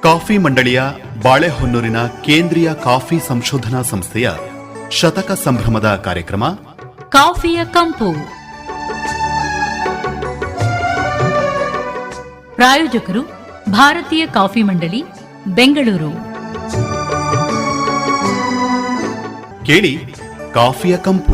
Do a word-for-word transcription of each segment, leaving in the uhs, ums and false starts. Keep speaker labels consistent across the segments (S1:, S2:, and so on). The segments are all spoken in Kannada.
S1: ಕಾಫಿ ಮಂಡಳಿಯ ಬಾಳೆಹೊನ್ನೂರಿನ ಕೇಂದ್ರೀಯ ಕಾಫಿ ಸಂಶೋಧನಾ ಸಂಸ್ಥೆಯ ಶತಕ ಸಂಭ್ರಮದ ಕಾರ್ಯಕ್ರಮ
S2: ಕಾಫಿಯ ಕಂಪು. ಪ್ರಾಯೋಜಕರು ಭಾರತೀಯ ಕಾಫಿ ಮಂಡಳಿ, ಬೆಂಗಳೂರು.
S1: ಕೇಳಿ ಕಾಫಿಯ ಕಂಪು.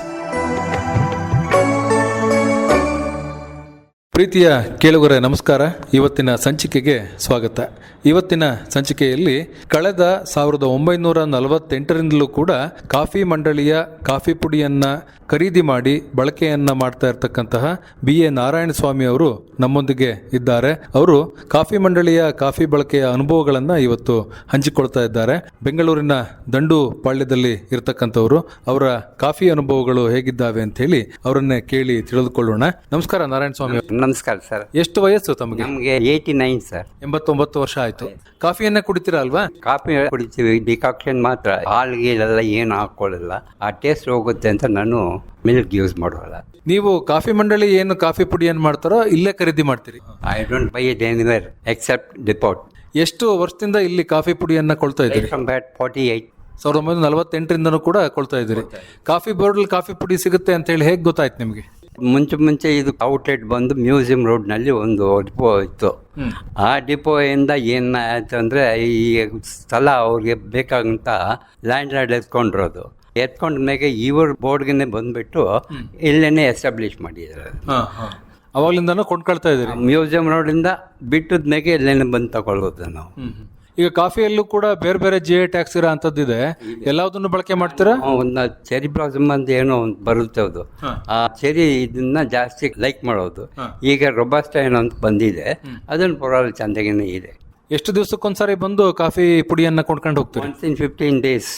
S3: ಪ್ರೀತಿಯ ಕೇಳುಗರೆ ನಮಸ್ಕಾರ. ಇವತ್ತಿನ ಸಂಚಿಕೆಗೆ ಸ್ವಾಗತ. ಇವತ್ತಿನ ಸಂಚಿಕೆಯಲ್ಲಿ ಕಳೆದ ಸಾವಿರದ ಒಂಬೈನೂರ ನಲವತ್ತೆಂಟರಿಂದಲೂ ಕೂಡ ಕಾಫಿ ಮಂಡಳಿಯ ಕಾಫಿ ಪುಡಿಯನ್ನು ಖರೀದಿ ಮಾಡಿ ಬಳಕೆಯನ್ನು ಮಾಡ್ತಾ ಇರತಕ್ಕಂತಹ ಬಿ ಎ ನಾರಾಯಣ ಸ್ವಾಮಿ ಅವರು ನಮ್ಮೊಂದಿಗೆ ಇದ್ದಾರೆ. ಅವರು ಕಾಫಿ ಮಂಡಳಿಯ ಕಾಫಿ ಬಳಕೆಯ ಅನುಭವಗಳನ್ನು ಇವತ್ತು ಹಂಚಿಕೊಳ್ತಾ ಇದ್ದಾರೆ. ಬೆಂಗಳೂರಿನ ದಂಡು ಪಾಳ್ಯದಲ್ಲಿ ಇರತಕ್ಕಂಥವರು. ಅವರ ಕಾಫಿ ಅನುಭವಗಳು ಹೇಗಿದ್ದಾವೆ ಅಂತ ಹೇಳಿ ಅವರನ್ನೇ ಕೇಳಿ ತಿಳಿದುಕೊಳ್ಳೋಣ. ನಮಸ್ಕಾರ ನಾರಾಯಣ ಸ್ವಾಮಿ.
S4: ನಮಸ್ಕಾರ ಸರ್.
S3: ಎಷ್ಟು ವಯಸ್ಸು ತಮಗೆ?
S4: ನಮಗೆ ಏಯ್ಟಿ ನೈನ್ ಸರ್.
S3: ಎಂಬತ್ತೊಂಬತ್ತು ವರ್ಷ ಆಯ್ತು. ಕಾಫಿಯನ್ನ ಕುಡಿತೀರಾ ಅಲ್ವಾ?
S4: ಕಾಫಿ ಕುಡಿತೀವಿ, ಡಿಕಾಕ್ಷನ್ ಮಾತ್ರ. ಹಾಲ್ಗೀಲೆಲ್ಲ ಏನು ಹಾಕೊಳ್ಳಲ್ಲ, ಆ ಟೇಸ್ಟ್ ಹೋಗುತ್ತೆ ಅಂತ ನಾನು ಮಿಲ್ಕ್ ಯೂಸ್ ಮಾಡೋಲ್ಲ.
S3: ನೀವು ಕಾಫಿ ಮಂಡಳಿ ಏನು ಕಾಫಿ ಪುಡಿಯನ್ನು ಮಾಡ್ತಾರೋ ಇಲ್ಲೇ ಖರೀದಿ ಮಾಡ್ತೀರಿ?
S4: I don't buy it anywhere except depot.
S3: ಎಷ್ಟು ವರ್ಷದಿಂದ ಇಲ್ಲಿ ಕಾಫಿ ಪುಡಿಯನ್ನ ಕೊಳ್ತಾ ಇದ್ದೀರಿ?
S4: ಫಾರ್ಟಿ ಏಟ್
S3: ಸಾವಿರದ ಒಂಬೈನೂರ ನಲವತ್ತೆಂಟರಿಂದನೂ ಕೂಡ ಕೊಳ್ತಾ ಇದ್ದೀರಿ. ಕಾಫಿ ಬೋರ್ಡಲ್ಲಿ ಕಾಫಿ ಪುಡಿ ಸಿಗುತ್ತೆ ಅಂತ ಹೇಳಿ ಹೇಗೆ ಗೊತ್ತಾಯ್ತು ನಿಮಗೆ?
S4: ಮುಂಚೆ ಮುಂಚೆ ಇದು ಔಟ್ಲೆಟ್ ಬಂದು ಮ್ಯೂಸಿಯಂ ರೋಡ್ನಲ್ಲಿ ಒಂದು ಡಿಪೋ ಇತ್ತು. ಆ ಡಿಪೋಯಿಂದ ಏನಾಯ್ತು ಅಂದರೆ, ಈ ಸ್ಥಳ ಅವ್ರಿಗೆ ಬೇಕಾಗಂತ ಲ್ಯಾಂಡ್ ಲಾರ್ಡ್ ಎತ್ಕೊಂಡಿರೋದು. ಎತ್ಕೊಂಡ ಮೇಲೆ ಇವ್ರ ಬೋರ್ಡ್ಗೆ ಬಂದುಬಿಟ್ಟು ಇಲ್ಲೇನೆ ಎಸ್ಟಾಬ್ಲಿಷ್ ಮಾಡಿದ್ದಾರೆ.
S3: ಅವಾಗಲಿಂದನೂ ಕೊಂಡ್ಕೊಳ್ತಾ ಇದ್ದೀರಿ?
S4: ಮ್ಯೂಸಿಯಂ ರೋಡಿಂದ ಬಿಟ್ಟದ ಮೇಲೆ ಇಲ್ಲೇನೆ ಬಂದು ತಗೊಳ್ಳೋದು ನಾವು.
S3: ಈಗ ಕಾಫಿಯಲ್ಲೂ ಕೂಡ ಬೇರೆ ಬೇರೆ ಜಿ ಐ ಟ್ಯಾಕ್ಸ್ ಇರೋ ಅಂಥದ್ದಿದೆ. ಎಲ್ಲದನ್ನು ಬಳಕೆ ಮಾಡ್ತೀರಾ?
S4: ಒಂದು ಚೆರಿ ಬ್ಲಾಸಮ್ ಅಂತ ಏನೋ ಒಂದು ಬರುತ್ತೆ, ಅದು ಆ ಚೆರಿ ಇದನ್ನ ಜಾಸ್ತಿ ಲೈಕ್ ಮಾಡೋದು. ಈಗ ರೊಬಾಸ್ಟ ಏನೋ ಅಂತ ಬಂದಿದೆ, ಅದನ್ನು ಪರವಾಗಿಲ್ಲ ಚಂದಾಗೇನೆ ಇದೆ.
S3: ಎಷ್ಟು ದಿವಸಕ್ಕೊಂದ್ಸರಿ ಬಂದು ಕಾಫಿ ಪುಡಿಯನ್ನ ಕೊಂಡ್ಕೊಂಡು ಹೋಗ್ತೀವಿ?
S4: ಒನ್ಸ್ ಇನ್ ಫಿಫ್ಟೀನ್ ಡೇಸ್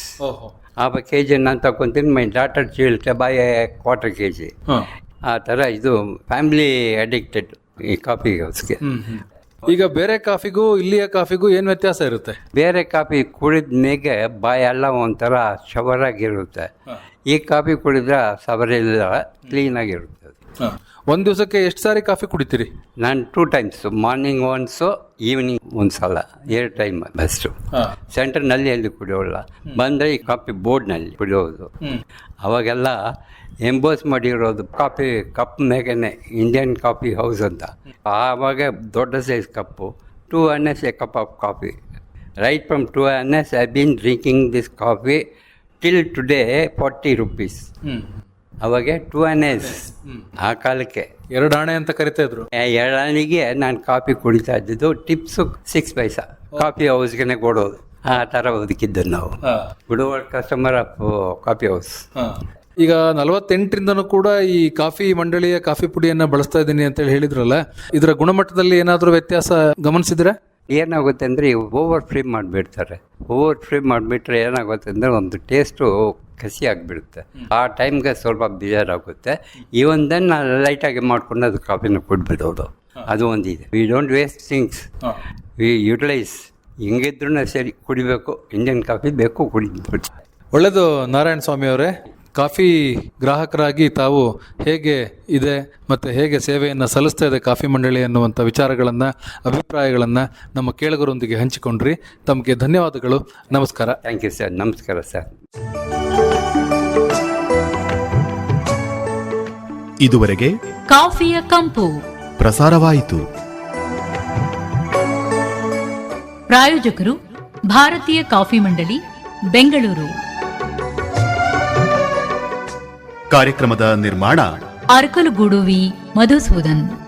S4: ಆ ಕೆ ಜಿ ನಾನು ತಗೊತೀನಿ. ಮೈ ಡಾಟರ್ ಚೀಲ್ಟೆ ಬಾಯ್ ಕ್ವಾರ್ಟರ್ ಕೆ ಜಿ. ಆ ಥರ ಇದು ಫ್ಯಾಮಿಲಿ ಅಡಿಕ್ಟೆಡ್ ಈ ಕಾಫಿ ಹೌಸ್ಗೆ.
S3: ಈಗ ಬೇರೆ ಕಾಫಿಗೂ ಇಲ್ಲಿಯ ಕಾಫಿಗೂ ಏನು ವ್ಯತ್ಯಾಸ ಇರುತ್ತೆ?
S4: ಬೇರೆ ಕಾಫಿ ಕುಡಿದ ಮೇಗೆ ಬಾಯೆಲ್ಲ ಒಂಥರ ಶವರಾಗಿರುತ್ತೆ. ಈ ಕಾಫಿ ಕುಡಿದ್ರೆ ಸವರೆಲ್ಲ ಕ್ಲೀನಾಗಿರುತ್ತೆ.
S3: ಒಂದು ದಿವಸಕ್ಕೆ ಎಷ್ಟು ಸಾರಿ ಕಾಫಿ ಕುಡಿತೀರಿ?
S4: ನಾನು two times, morning once, evening ಒಂದು ಸಲ, ಎರಡು ಟೈಮ್ ಬೆಸ್ಟು. ಸೆಂಟರ್ನಲ್ಲಿ ಎಲ್ಲಿ ಕುಡಿಯೋಲ್ಲ, ಬಂದರೆ ಈ ಕಾಫಿ ಬೋರ್ಡ್ನಲ್ಲಿ ಕುಡಿಯೋದು. ಅವಾಗೆಲ್ಲ ಎಂಬೋಸ್ ಮಾಡಿರೋದು ಕಾಫಿ ಕಪ್ ಮೇಗೇನೆ ಇಂಡಿಯನ್ ಕಾಫಿ ಹೌಸ್ ಅಂತ. ಆವಾಗ ದೊಡ್ಡ size cup, two annas a cup of coffee. Right from two annas I been drinking this coffee till today forty rupees. ಅವಾಗ ಟೂ ಎನ್ ಎಸ್ ಆ ಕಾಲಕ್ಕೆ
S3: ಎರಡು ಆಣೆ ಅಂತ ಕರಿತಾ ಇದ್ರು.
S4: ಎರಡು ಆಣೆಗೆ ನಾನು ಕಾಫಿ ಕುಡಿತಾ ಇದ್ದಿದ್ದು. ಟಿಪ್ಸು ಸಿಕ್ಸ್ ಪೈಸಾ ಕಾಫಿ ಹೌಸ್ಗೆ ಕೊಡೋದು. ಆ ಥರ ಬದುಕಿದ್ದು ನಾವು, good customer of coffee house.
S3: ಈಗ ನಲವತ್ತೆಂಟರಿಂದನೂ ಕೂಡ ಈ ಕಾಫಿ ಮಂಡಳಿಯ ಕಾಫಿ ಪುಡಿಯನ್ನು ಬಳಸ್ತಾ ಇದ್ದೀನಿ ಅಂತೇಳಿ ಹೇಳಿದ್ರಲ್ಲ, ಇದರ ಗುಣಮಟ್ಟದಲ್ಲಿ ಏನಾದರೂ ವ್ಯತ್ಯಾಸ ಗಮನಿಸಿದ್ರೆ?
S4: ಏನಾಗುತ್ತೆ ಅಂದರೆ, ಓವರ್ ಫ್ರೈ ಮಾಡಿಬಿಡ್ತಾರೆ. ಓವರ್ ಫ್ರೈ ಮಾಡಿಬಿಟ್ರೆ ಏನಾಗುತ್ತೆ ಅಂದರೆ ಒಂದು ಟೇಸ್ಟು ಕಸಿ ಆಗಿಬಿಡುತ್ತೆ. ಆ ಟೈಮ್ಗೆ ಸ್ವಲ್ಪ ಬೇಜಾರಾಗುತ್ತೆ. ಇವನ್ ದೆನ್ ನಾನು ಲೈಟಾಗಿ ಮಾಡ್ಕೊಂಡು ಅದು ಕಾಫಿನ ಕುಡ್ಬಿಡೋದು. ಅದು ಒಂದಿದೆ. We don't waste things, we utilise. ಹಿಂಗಿದ್ರೂ ಸರಿ, ಕುಡಿಬೇಕು, ಇಂಡಿಯನ್ ಕಾಫಿ ಬೇಕು, ಕುಡಿದ್ಬಿಟ್ಟು.
S3: ಒಳ್ಳೆಯದು ನಾರಾಯಣ ಸ್ವಾಮಿ ಅವರೇ. ಕಾಫಿ ಗ್ರಾಹಕರಾಗಿ ತಾವು ಹೇಗೆ ಇದೆ ಮತ್ತು ಹೇಗೆ ಸೇವೆಯನ್ನು ಸಲ್ಲಿಸ್ತಾ ಇದೆ ಕಾಫಿ ಮಂಡಳಿ ಅನ್ನುವಂಥ ವಿಚಾರಗಳನ್ನು, ಅಭಿಪ್ರಾಯಗಳನ್ನು ನಮ್ಮ ಕೇಳುಗರೊಂದಿಗೆ ಹಂಚಿಕೊಂಡ್ರಿ. ತಮಗೆ ಧನ್ಯವಾದಗಳು. ನಮಸ್ಕಾರ.
S4: Thank you sir. ನಮಸ್ಕಾರ ಸರ್.
S1: ಇದುವರೆಗೆ
S2: ಕಾಫಿಯ ಕಂಪು
S1: ಪ್ರಸಾರವಾಯಿತು.
S2: ಪ್ರಾಯೋಜಕರು ಭಾರತೀಯ ಕಾಫಿ ಮಂಡಳಿ, ಬೆಂಗಳೂರು.
S1: ಕಾರ್ಯಕ್ರಮದ ನಿರ್ಮಾಣ
S2: ಅರಕಲಗೂಡು ವಿ ಮಧುಸೂದನ್.